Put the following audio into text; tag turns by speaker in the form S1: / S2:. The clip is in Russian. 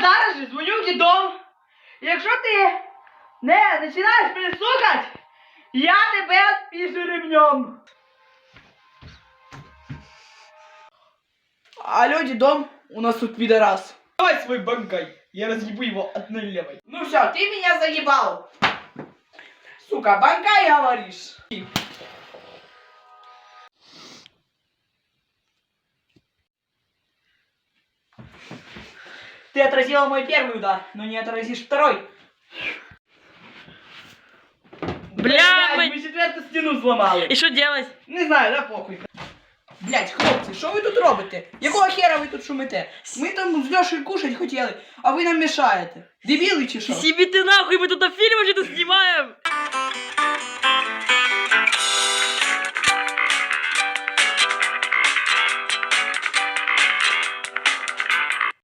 S1: зараз же дзвоню в дідом. Якщо ти не починаєш мене слухати, я тебе відпішу ремнем. Алло, дедом, у нас тут пидорас. Давай свой банкай, я разъебу его одной левой. Ну все, ты меня заебал. Сука, банкай, говоришь. Ты отразила мой первый удар, но не отразишь второй.
S2: Бля,
S1: мы четверту стену зламали.
S2: И что делать?
S1: Не знаю, да похуй. Блять, хлопці, що ви тут робите? Якого хера ви тут шумите? Ми там з Льошею кушать хотіли, а ви нам мішаєте. Дебіли чи що?
S2: Себе ты нахуй, мы тут фильм вообще-то снимаем.